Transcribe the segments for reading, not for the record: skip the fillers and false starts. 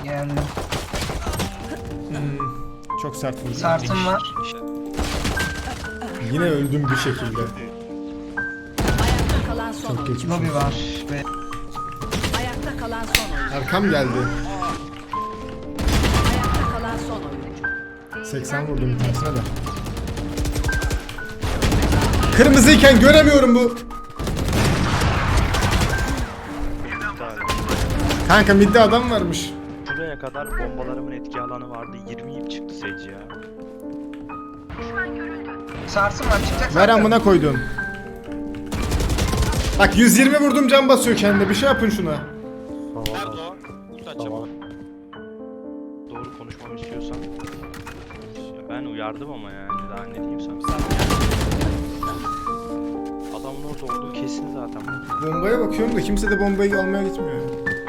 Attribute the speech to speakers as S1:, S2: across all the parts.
S1: Geldim.
S2: Çok sert vurdu.
S1: Sartım var.
S2: Yine öldüm bir şekilde.
S3: Ayakta kalan son
S2: Çok
S3: oyuncu.
S2: geçmiş
S1: Lobi
S2: olsun.
S1: var. Ve
S3: Ayakta kalan son oyuncu.
S2: Arkam geldi.
S3: Ayakta kalan son oyuncu.
S2: 80 vurdum bir tanesine de. Kırmızıyken göremiyorum bu. Kanka midde adam varmış.
S4: Şuraya kadar bombalarımın etki alanı vardı. 20 çıktı Sage ya.
S1: sarsın var çıkacak
S2: Ver
S1: zaten.
S2: amına koydum. Bak 120 vurdum, can basıyor kendine. Bir şey yapın şuna.
S5: Nerede o? Ult açacağım.
S4: Doğru konuşmamı istiyorsan. Ya ben uyardım ama yani daha ne diyeyim sana. Adamın orada olduğu kesin zaten.
S2: Bombaya bakıyorum da kimse de bombayı almaya gitmiyor.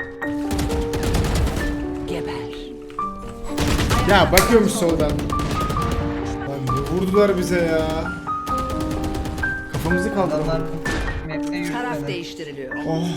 S3: Geber.
S2: Ya bakıyormuş soldan. Lan ne vurdular bize ya. Kafamızı
S1: Adamlar
S2: kaldırdılar.
S1: map'te
S3: Taraf
S1: yürütmedi.
S3: değiştiriliyor.
S2: Oh.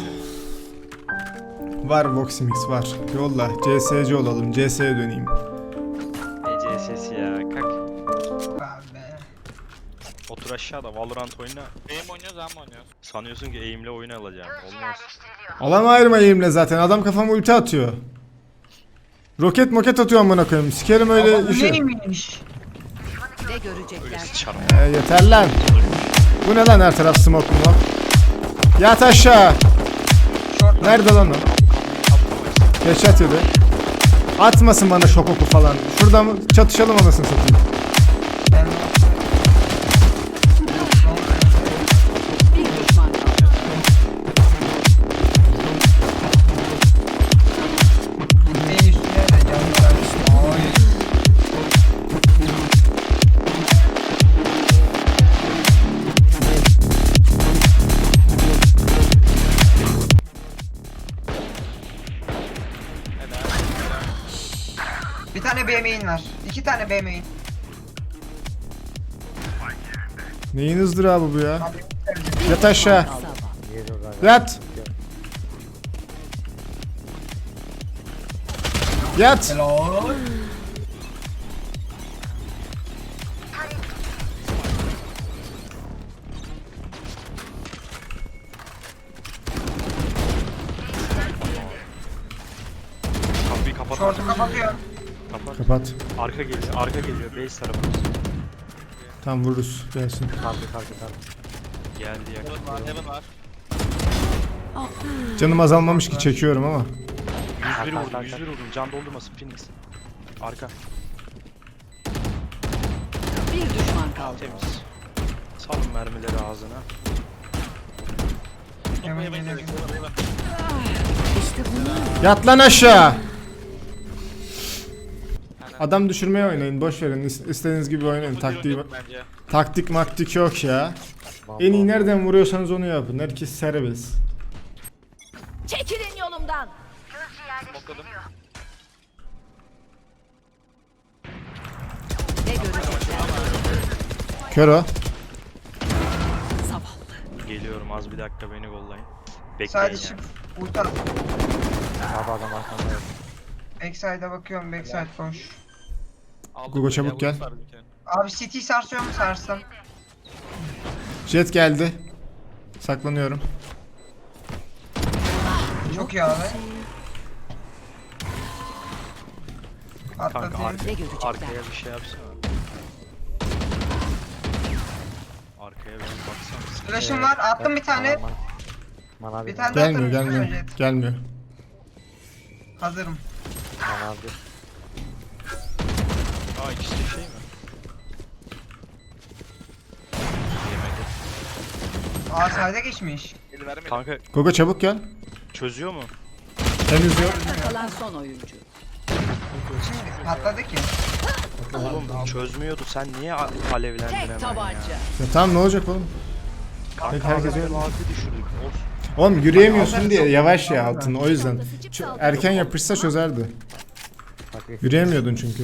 S2: Var Voximix var. Yolla. CS'ci olalım. CS'ye döneyim.
S4: ECSS ya kalk.
S1: Abi.
S4: Otur aşağıda Valorant oyna.
S5: Benim oynuyoruz ama oynuyoruz.
S4: Sanıyorsun ki aim'le oyun alacağım. Olmaz.
S2: Alan ayırmayayım zaten. Adam kafama ulti atıyor. Roket moket atıyor amına koyayım. Sikerim öyle
S1: Ama bu
S2: işi.
S1: neymiş?
S3: Ne
S4: Öyle
S3: görecekler?
S4: sıçarım.
S2: Yeter lan. Bu ne lan, her taraf smoke mu lan? Yat aşağı.
S1: Short
S2: Nerede lan o? Headshot yedi. Atmasın bana şok oku falan. Şuradan çatışalım anasını satayım.
S1: ben...
S3: Bir düşman kaldı.
S1: Benim üstüne de can var. Oy. Bir tane B main var. 2 tane B main.
S2: Neyin ızdırabı bu ya?
S1: Abi,
S2: Yat aşağı. Yat. Yat.
S1: hello.
S4: Kapıyı kapat.
S1: Short'u kapatıyor.
S4: Kapat.
S2: Kapat.
S4: Arka geliyor. Arka geliyor. Base tarafımız.
S2: Tam vururuz. Gelsin.
S4: Geldi yakın.
S5: Heaven var, Heaven var.
S2: Canım azalmamış ki, çekiyorum ama.
S4: 101 vurdum. 101 vurdum. Can doldurmasın Phoenix. Arka.
S3: Bir düşman kaldı.
S4: Temiz. Salın mermileri ağzına.
S1: Hemen
S5: Heaven
S1: geliyor.
S5: geliyor. Heaven.
S3: İşte bunu.
S2: Yat lan aşağı. Adam düşürmeye oynayın. Boş verin. İstediğiniz gibi oynayın. Taktiği,
S5: Bence.
S2: taktik maktik yok ya. En iyi nereden vuruyorsanız onu yapın. Herkes serbest.
S3: Çekilin yolumdan.
S5: Smokladım.
S3: Ne görecekler?
S2: Kör o.
S3: Zavallı.
S4: Geliyorum az bir dakika beni kollayın. Bekleyin
S1: Sadece
S4: yani.
S1: ulti at. Backside'a bakıyorum. Backside boş.
S5: Aldım
S2: Gugu
S5: böyle,
S2: çabuk gel.
S5: ulti var bir kere.
S1: Abi CT sarsıyor mu? Sarstım.
S2: Jet geldi. Saklanıyorum.
S1: Çok iyi abi.
S4: Kanka
S1: Atlatayım.
S3: Ne görecekler?
S4: arkaya bir şey yapsana. Arkaya bir baksana.
S1: Flash'ım var. Attım bir tane. Bir tane daha
S2: Gelmiyor,
S1: attım.
S2: gelmiyor.
S1: Jet.
S2: Gelmiyor.
S1: Hazırım.
S4: Aa ikisi de şey mi? Yemedi.
S1: Aa sayda geçmiş.
S5: Eli vermedi.
S4: Kanka
S2: Gogo çabuk gel.
S4: çözüyor mu?
S2: Henüz yok.
S3: Ayakta kalan son oyuncu.
S1: Şimdi patladı ki.
S4: Oğlum çözmüyordu. Sen niye alevlendin hemen
S3: Tek
S4: ya?
S3: tabanca.
S2: Ya tamam, ne olacak oğlum?
S4: Kanka
S2: Herkes
S4: herkes
S2: öyle.
S4: düşürdük. Olsun.
S2: Oğlum yürüyemiyorsun diye yavaş ya altın, o yüzden. Erken yapışsa çözerdi. Yürüyemiyordun çünkü.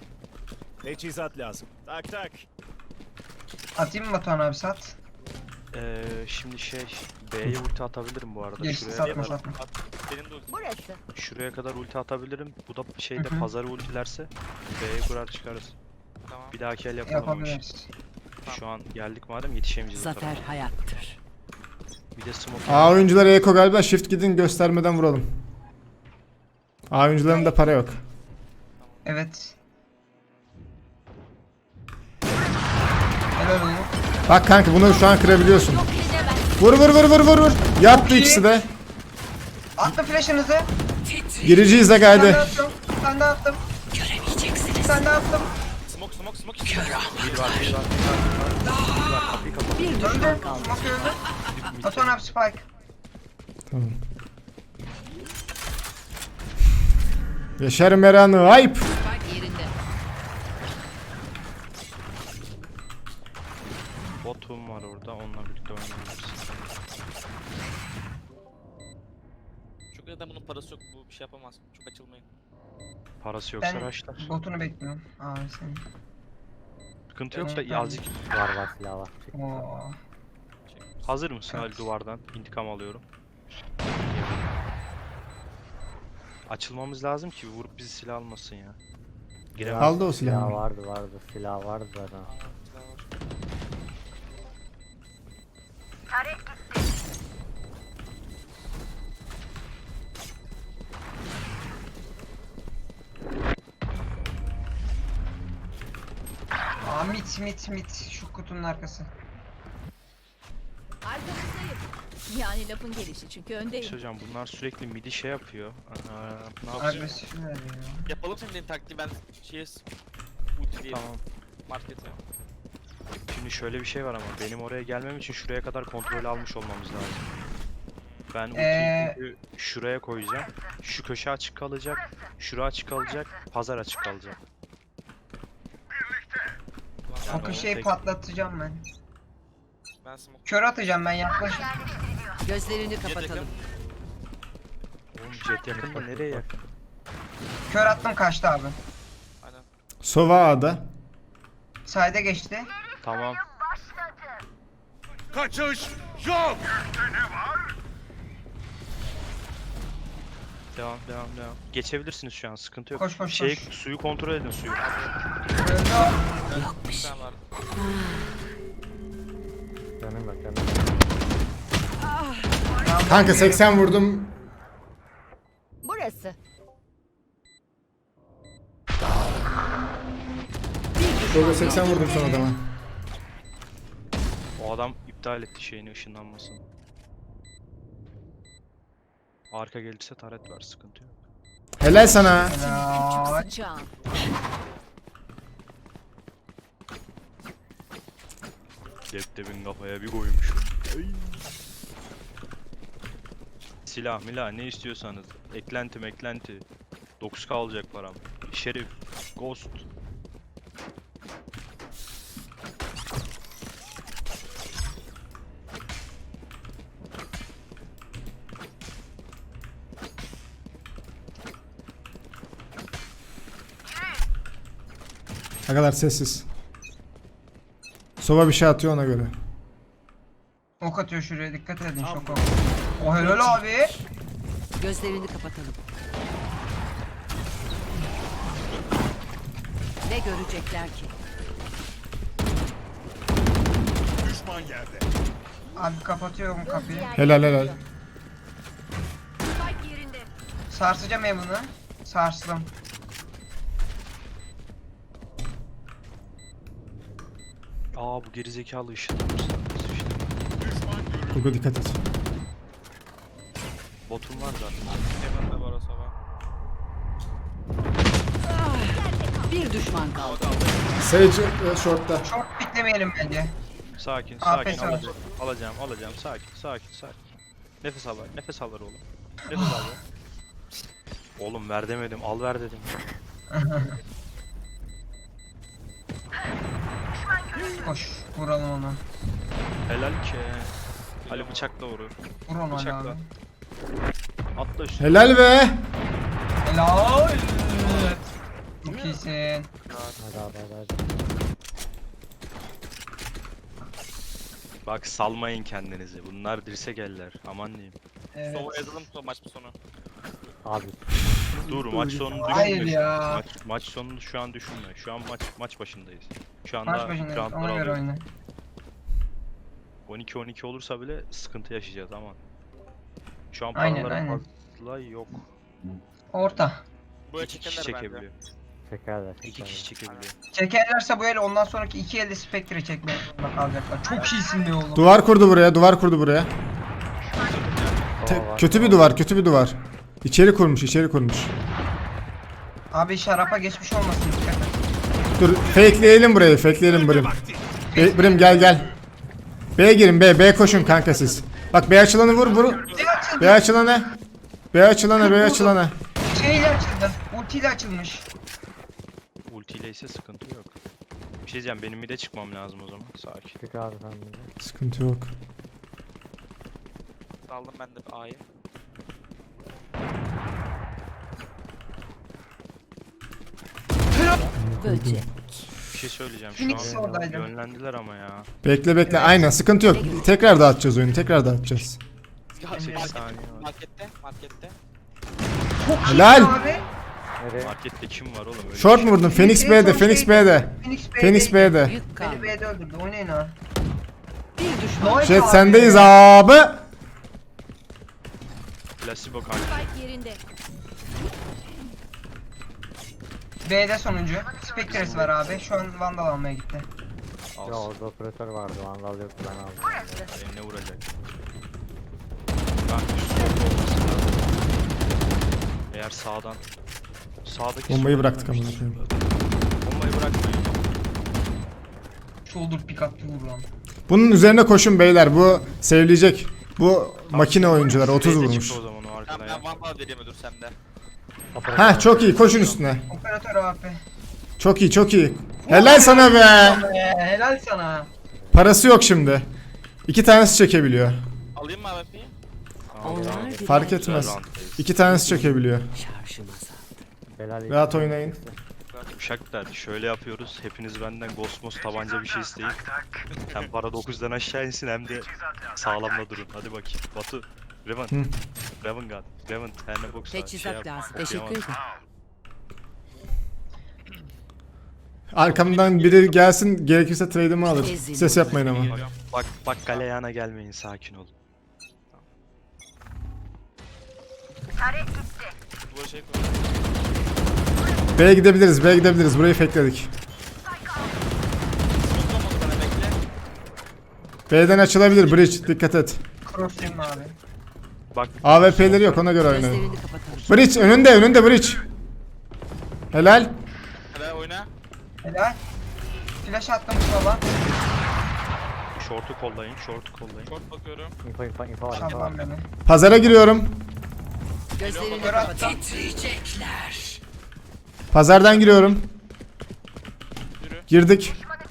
S6: Teçhizat lazım. Tak tak.
S1: Atayım mı Batuhan abi sat?
S4: Şimdi B'ye ulti atabilirim bu arada.
S1: Geçti,
S4: Şuraya,
S1: satma satma.
S5: Benim de ultim.
S3: Burası.
S4: şuraya kadar ulti atabilirim. Bu da
S1: Hı hı.
S4: pazarı ultilerse B'ye kurar çıkarız.
S5: Tamam.
S4: Bir dahaki el yapalım o işi.
S1: Yapabiliriz.
S4: Şu an geldik madem yetişemeyeceğiz o
S3: Zafer
S4: tarafa.
S3: hayattır.
S4: Bir de smoke.
S2: A oyuncuları Eko galiba, shift gidin göstermeden vuralım. A oyuncularında para yok.
S1: Evet. Helal olsun.
S2: Bak kanka bunu şu an kırabiliyorsun.
S3: Yok edemez.
S2: Vur vur vur vur vur vur. Yattı
S1: iyi.
S2: ikisi de.
S1: Attım flash'ınızı.
S2: Gireceğiz de
S1: Ben de
S2: gaydi.
S1: attım. Ben de attım. Ben de attım.
S5: Smoke.
S4: Bir var. Kapıyı kapat.
S3: Bir düşman
S1: Öldü.
S3: kaldı.
S1: Smoke öldü. Batuhan abi spike.
S2: Tamam. Yaşar Meran'ı ayıp.
S3: Spike yerinde.
S4: Botum var orada. Onunla birlikte oynayabiliriz.
S5: Çok neden bunun parası yok. Bu bir şey yapamaz. Çok açılmayın.
S4: Parası yoksa
S1: Ben
S4: raşlar.
S1: botunu bekliyorum. Abi senin.
S4: Sıkıntı yok da
S1: Ben-
S4: azıcık.
S6: Var silah var.
S1: Oo.
S4: Hazır mısın Ali duvardan? İntikam alıyorum. Açılmamız lazım ki vurup bizi silah almasın ya. Giremez.
S2: Aldı o
S6: Silah
S2: silahı.
S6: vardı. Silah vardı zaten.
S1: Aa mit. Şu kutunun arkası.
S3: Arkamızdayım. Yani lafın gelişi çünkü öndeyim.
S4: Hocam bunlar sürekli midi yapıyor. Ne yapacağız?
S1: Agresif veriyor.
S5: Yapalım senin dediğin taktiği ben ulti diyelim.
S4: Tamam.
S5: Markete.
S4: Şimdi şöyle bir şey var ama benim oraya gelmem için şuraya kadar kontrol almış olmamız lazım. Ben ultiyi çünkü şuraya koyacağım. Şu köşe açık kalacak. Şura açık kalacak. Pazar açık kalacak. Yani
S1: O köşeyi
S4: tek-
S1: patlatacağım ben.
S5: Ben smoke.
S1: Kör atacağım ben yaklaşık.
S3: Gözlerini
S5: Jet
S3: kapatalım.
S5: yakın.
S4: Oğlum jet yakında nereye yakın?
S1: Kör attım kaçtı abi.
S5: Aynen.
S2: Sova A'da.
S1: Sayda geçti.
S4: Tamam. Devam. Geçebilirsiniz şu an sıkıntı yok.
S1: Koş.
S4: Suyu kontrol edin suyu.
S1: Öldü o.
S5: Bir tane var.
S6: Canım bak.
S2: Kanka 80 vurdum.
S3: Burası.
S2: Şurada 80 vurdum son adama.
S4: O adam iptal etti şeyini ışınlanmasını. Arka gelirse taret var sıkıntı yok.
S2: Helal sana.
S1: Helal.
S3: Sıçağın.
S4: Cepte bin kafaya bir koymuşum. Silah milah ne istiyorsanız. Eklenti. 9k alacak param. Şerif. Ghost.
S2: Ne kadar sessiz. Sova bir şey atıyor ona göre.
S1: Ok atıyor şuraya dikkat edin şok ok. O helal abi.
S3: Gözlerini kapatalım. Ne görecekler ki?
S1: Abi kapatıyorum kapıyı.
S2: Helal.
S3: Spike yerinde.
S1: Sarsacağım evini. Sarstım.
S4: Aa bu gerizekalı ışınlanmış.
S2: Kurgu dikkat et.
S4: Botum var zaten.
S5: Heaven'da var o sabah.
S3: Bir düşman kaldı.
S2: Sage short'ta.
S1: Çok beklemeyelim bence.
S4: Sakin
S1: Afiyet olsun.
S4: alacağım sakin. Nefes al ver oğlum. Nefes al ver. Oğlum ver demedim, al ver dedim.
S1: Koş vuralım onu.
S4: Helal ki. Ali bıçakla vurur.
S1: Vur onu Ali
S4: Bıçakla.
S1: abi.
S4: Atla üstüne.
S2: Helal be.
S1: Helal. Çok iyisin.
S6: Hadi.
S4: Bak salmayın kendinizi. Bunlar dirsek eller. Aman diyeyim.
S1: Evet.
S5: Sova yazalım maç sonu.
S6: Abi
S4: Dur maç sonunu düşünme.
S1: Hayır ya.
S4: Maç sonunu şu an düşünme. Şu an maç başındayız. Şu anda
S1: Maç başındayız.
S4: roundları
S1: Ona göre
S4: alıyoruz.
S1: oyna.
S4: 12-12 olursa bile sıkıntı yaşayacağız ama. Şu an
S1: Aynen,
S4: paraları
S1: aynen.
S4: fazla yok.
S1: Orta.
S5: Buraya
S4: 2 kişi
S5: çekerler bence.
S4: çekebiliyor.
S6: çekerler.
S4: 2 kişi çekebiliyor.
S1: Çekerlerse bu el ondan sonraki 2 elde Spectre çekmeye zorunda kalacaklar. Çok iyisin be oğlum.
S2: Duvar kurdu buraya, duvar kurdu buraya.
S6: Sova var.
S2: Kötü bir duvar, kötü bir duvar. İçeri kurmuş, içeri kurmuş.
S1: Abi şarapa geçmiş olmasın dikkat et.
S2: Dur, fakeleyelim burayı, fakeleyelim Brim. Brim gel. B'ye girin, B koşun kanka siz. Bak B açılanı vur. B açılanı. B açılana.
S1: Şeyle açıldı. Ultiyle açılmış.
S4: Ultiyle ise sıkıntı yok. Bir şey diyeceğim benim bir de çıkmam lazım o zaman. Sakin.
S6: Çık abi sen de.
S2: Sıkıntı yok.
S5: Aldım ben de A'yı.
S3: Böcek.
S4: Bir şey söyleyeceğim
S1: Phoenix
S4: şu an
S1: oradaydı.
S4: yönlendiler ama ya.
S2: Bekle. Aynen sıkıntı yok. Tekrar dağıtacağız oyunu, tekrar dağıtacağız.
S4: Sekiz saniye var.
S5: Markette.
S1: Çok iyi
S2: Helal.
S1: abi.
S6: Nereye?
S4: Markette kim var oğlum öyle?
S2: Short mu vurdun? Phoenix B'de, Phoenix B'de. Phoenix B'de.
S3: Yük
S1: Beni
S3: kaldı.
S1: B'de öldürdü. Oynayın ha.
S3: Bir düşman.
S1: Nice
S2: Jet
S1: abi.
S2: sendeyiz abi.
S4: Placebo kanka.
S7: Spike yerinde.
S1: B'de sonuncu. Spectre'si var abi. Şu an Vandal almaya gitti.
S6: Ya
S4: Alsın.
S6: orada operatör vardı. Vandal yoktu ben aldım.
S4: Eline vuracak. Ben üst solda olması lazım. Eğer sağdaki
S2: Bombayı
S4: sol-
S2: bıraktık amına koyayım.
S4: Bombayı bırakmayın.
S1: Shoulder pick attı vur lan.
S2: Bunun üzerine koşun beyler. Bu sevleyecek. Bu makine oyuncuları 30
S4: B'de
S2: vurmuş.
S4: çıktı o zaman o arkada
S5: Ben
S4: ya.
S5: Vandal vereyim dur sende.
S2: Heh çok iyi, koşun üstüne.
S1: Operatör AP.
S2: Çok iyi. Helal sana be.
S1: Helal sana.
S2: Parası yok şimdi. 2 tanesi çekebiliyor.
S5: Alayım mı AWP'yi?
S3: Onlar bile
S2: Fark
S4: Güzel
S2: etmez.
S4: round'dayız.
S2: 2 tanesi çekebiliyor.
S3: şarjım azaldı.
S6: Belal
S2: Rahat oynayın.
S4: Uşaklar şöyle yapıyoruz. Hepiniz benden Gosmos tabanca bir şey isteyin. Hem para 9'dan aşağı insin hem de sağlamda durun. Hadi bakayım. Batu. Revan.
S2: Hı.
S4: Revan God. Revan. Terne box.
S3: Teçhizat lazım. Teşekkür ederim.
S2: Arkamdan biri gelsin, gerekirse trade'imi alır. Ses yapmayın ama.
S4: Bak galeyana gelmeyin, sakin olun.
S5: Duvara şey koy.
S2: B'ye gidebiliriz. Burayı fakeledik.
S5: Tutamadı bana bekle.
S2: B'den açılabilir bridge, dikkat et.
S1: Cross team abi.
S4: Bak
S2: AWP'leri yok, ona göre oynayın.
S3: Gözlerini kapatalım.
S2: Bridge önünde bridge. Helal.
S5: Hadi oyna.
S1: Helal. Flash attım sola.
S4: short'u kollayın.
S5: Short bakıyorum.
S6: info var.
S1: Şaban beni.
S2: Pazara giriyorum.
S3: Gözlerini
S1: Kör
S3: kapatalım.
S1: attım.
S3: Titriyecekler.
S2: Pazardan giriyorum.
S5: Yürü.
S2: Girdik.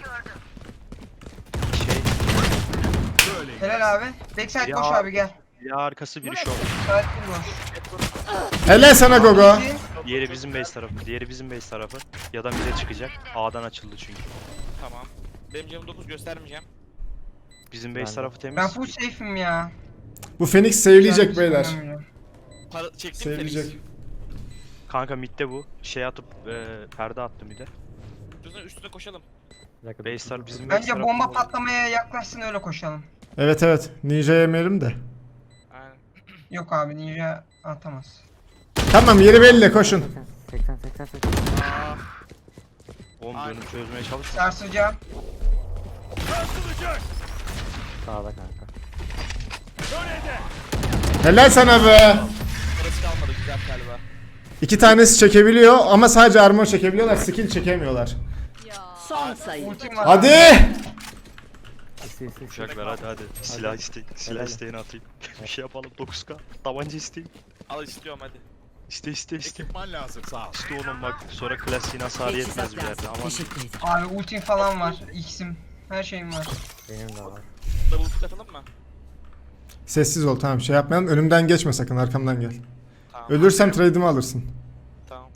S1: Helal abi. Backside
S4: Ya.
S1: koş abi gel.
S4: Ya arkası biri short.
S1: Side boş.
S2: Helal sana Gogo.
S4: Diğeri bizim base tarafı. Ya da bize çıkacak. A'dan açıldı çünkü.
S5: Tamam. Benim canım 9 göstermeyeceğim.
S4: Bizim base
S6: Ben-
S4: tarafı temiz.
S1: Ben full safe'im ya.
S2: Bu Phoenix sevleyecek beyler.
S5: Para çektim
S2: Sevleyecek.
S4: Kanka midde bu. Şey atıp perde attı mid'e.
S5: Üstüne koşalım.
S4: Base tarafı bizim base
S1: Bence
S4: tarafı.
S1: bomba patlamaya yaklaşsın öyle koşalım.
S2: Evet. Ninja yemeyelim de.
S5: Aynen.
S1: Yok abi ninja atamaz.
S2: Tamam yeri belli, koşun.
S6: 80.
S5: Aa,
S4: Oğlum
S5: Aynen.
S4: dönüp çözmeye çalış.
S1: Sarsacağım.
S6: Sağda kanka.
S2: Helal sana be.
S5: parası kalmadı güzel galiba.
S2: 2 tanesi çekebiliyor ama sadece armor çekebiliyorlar, skill çekemiyorlar.
S3: Son sayı.
S1: Ultim var.
S2: Hadi.
S6: İsi.
S4: Uşaklar hadi. Silah isteyin. Silah isteğini atayım. Bir şey yapalım 9K. Tabanca isteyin.
S5: Al istiyorum hadi.
S4: İste.
S8: Ekipman lazım sağ ol.
S4: İşte oğlum bak sonra klasiğin hasarı yetmez
S3: Teçhizat
S4: bir yerde.
S3: lazım.
S4: Aman.
S3: Teşekkür ederim.
S1: Abi ultim falan var. X'im. Her şeyim var.
S6: Benim de var.
S5: Double pick atalım mı?
S2: Sessiz ol, tamam, şey yapmayalım. Önümden geçme sakın, arkamdan gel.
S5: Tamam.
S2: Ölürsem trade'imi alırsın.
S5: Tamam.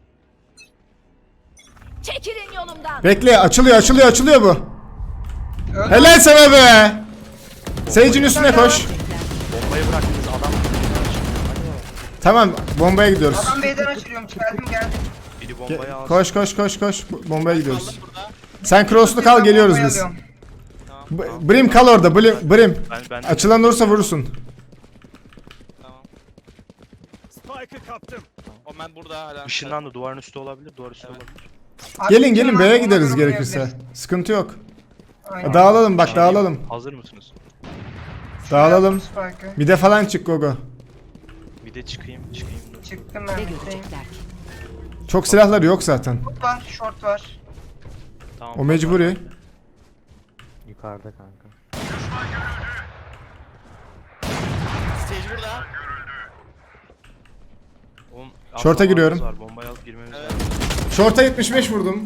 S7: Çekilin yolumdan.
S2: Bekle, açılıyor bu.
S1: Öldü.
S2: Helal sana be. Sage'in üstüne koş.
S4: Bombayı bıraktınız adam.
S2: Tamam bombaya gidiyoruz.
S1: Adam B'den açılıyorum. Geldim geldim.
S4: Biri bombayı alsın.
S2: Koş koş koş koş. Bombaya gidiyoruz. Sen cross'lu kal geliyoruz
S1: Bombayı
S2: biz.
S1: alıyorum.
S2: Brim kal orada. Brim.
S4: Ben
S2: Açılan olursa vurursun.
S5: Tamam.
S7: Spike'ı kaptım.
S5: O ben burada hala.
S4: ışınlandı, duvarın üstü olabilir, duvar üstü olabilir.
S1: Abi,
S2: Gelin
S1: bütün
S2: gelin
S1: var,
S2: B'ye
S1: ona
S2: gideriz
S1: göre
S2: gerekirse.
S1: oynayabiliriz.
S2: Sıkıntı yok.
S1: Aynen.
S2: Dağılalım bak dağılalım.
S4: Hazır mısınız?
S2: Dağılalım.
S1: Spike'ı.
S2: Bir de falan çık Gogo.
S4: Bir de çıkayım dur.
S1: Çıktım
S3: Ne
S1: ben. Bitteyim.
S3: görecekler ki?
S2: Çok silahları yok zaten.
S1: Short var, short var.
S4: Tamam.
S2: O mecburi.
S6: Yukarıda kanka.
S5: Stage burada.
S4: Oğlum,
S2: Short'a
S4: zamanımız
S2: giriyorum.
S4: Var. Bombayı alıp girmemiz
S5: Evet.
S4: lazım.
S2: Short'a 75 vurdum.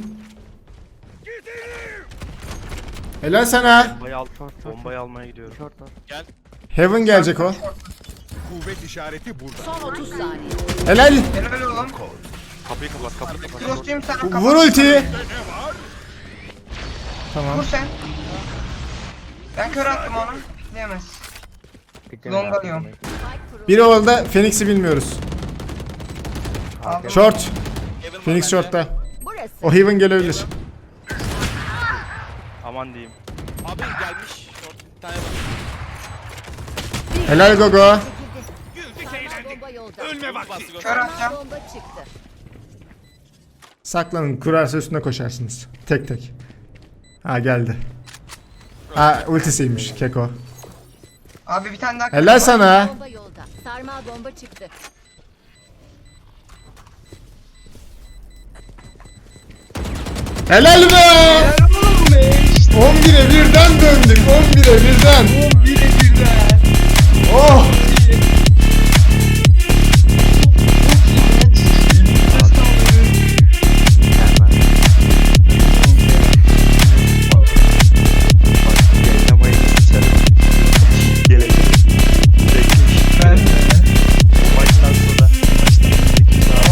S2: Helal sana.
S4: Bombayı almaya gidiyorum.
S6: Short var.
S5: Gel.
S2: Heaven gelecek o.
S7: Kuvvet işareti burada.
S3: Son 30 saniye.
S2: Helal.
S1: Helal oğlum.
S4: Kapıyı kapat.
S1: Cross'cuyum sen kapat.
S2: Vur ultiyi. Tamam.
S1: Vur sen. Ben kör attım onu. Pikleyemez.
S6: Piklemeyin
S1: Long
S6: abi,
S1: alıyorum.
S6: piklemeyin.
S2: Biri orada Phoenix'i bilmiyoruz.
S1: Aldım.
S2: Short.
S5: Heaven var
S2: Phoenix
S5: bende.
S2: short'ta.
S3: Burası.
S2: O Heaven gelebilir.
S4: Aman diyeyim.
S5: Abi gelmiş. Short bir tane var.
S2: Helal Gogo.
S7: Güldük eğlendik. Ölme vakti.
S5: Bastı
S1: Kör atacağım.
S3: Bomba çıktı.
S2: Saklanın. Kurarsa üstüne koşarsınız. Tek tek. Ha geldi. Ha ultisiymiş Keko.
S1: Abi bir tane daha.
S2: Helal sana.
S3: Bomba yolda. Sarmal bomba çıktı.
S2: Helal be. 11'e birden döndük. 11'e birden. 11'e birden. Oh.